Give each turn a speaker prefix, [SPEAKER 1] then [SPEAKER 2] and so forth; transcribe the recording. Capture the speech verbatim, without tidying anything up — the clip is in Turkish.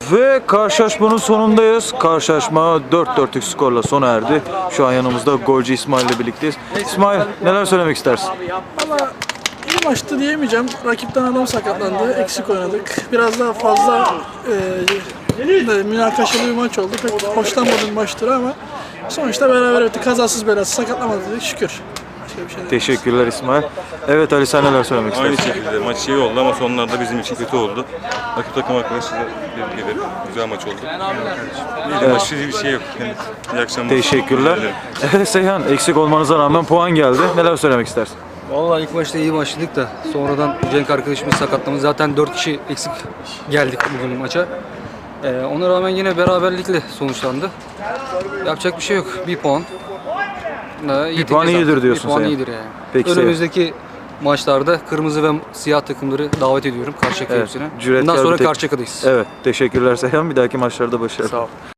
[SPEAKER 1] Ve karşılaşmanın sonundayız. Karşılaşma dört dörtlük skorla sona erdi. Şu an yanımızda golcü İsmail ile birlikteyiz. İsmail, neler söylemek istersin?
[SPEAKER 2] Valla iyi maçtı diyemeyeceğim. Rakipten adam sakatlandı. Eksik oynadık. Biraz daha fazla e, münakaşalı bir maç oldu. Pek hoşlanmadığım maçtır ama sonuçta beraber bitti. Kazasız belasız sakatlanmadık dedik şükür. Başka bir şey değil.
[SPEAKER 1] Teşekkürler İsmail. Evet Ali, sen neler söylemek
[SPEAKER 3] Aynı
[SPEAKER 1] istersin?
[SPEAKER 3] şekilde maç iyi oldu ama sonlarda bizim için kötü oldu. Rakip takım arkadaşlarıyla tebrik ederim. Güzel maç oldu. İyi de maçta bir şey yok. Yani iyi akşamlar.
[SPEAKER 1] Teşekkürler. Evet Seyhan, eksik olmanıza rağmen puan geldi. Neler söylemek istersin?
[SPEAKER 4] Vallahi ilk başta iyi başladık da sonradan Cenk arkadaşımız sakatlamış. Zaten dört kişi eksik geldik bugün maça. Ee, ona rağmen yine beraberlikle sonuçlandı. Yapacak bir şey yok. Bir puan. Ee, iyi
[SPEAKER 1] Bir puan
[SPEAKER 4] tekniğiz
[SPEAKER 1] iyidir
[SPEAKER 4] artık.
[SPEAKER 1] diyorsun
[SPEAKER 4] Bir puan
[SPEAKER 1] sen.
[SPEAKER 4] iyidir yani.
[SPEAKER 1] Peki
[SPEAKER 4] Önümüzdeki maçlarda kırmızı ve siyah takımları davet ediyorum. Karşıyaka
[SPEAKER 1] Evet,
[SPEAKER 4] hepsine.
[SPEAKER 1] cüretkar
[SPEAKER 4] Bundan sonra
[SPEAKER 1] bir tek-
[SPEAKER 4] Karşıyaka'dayız.
[SPEAKER 1] Evet, teşekkürler Seyhan. Bir dahaki maçlarda başarılı.
[SPEAKER 4] Sağ ol.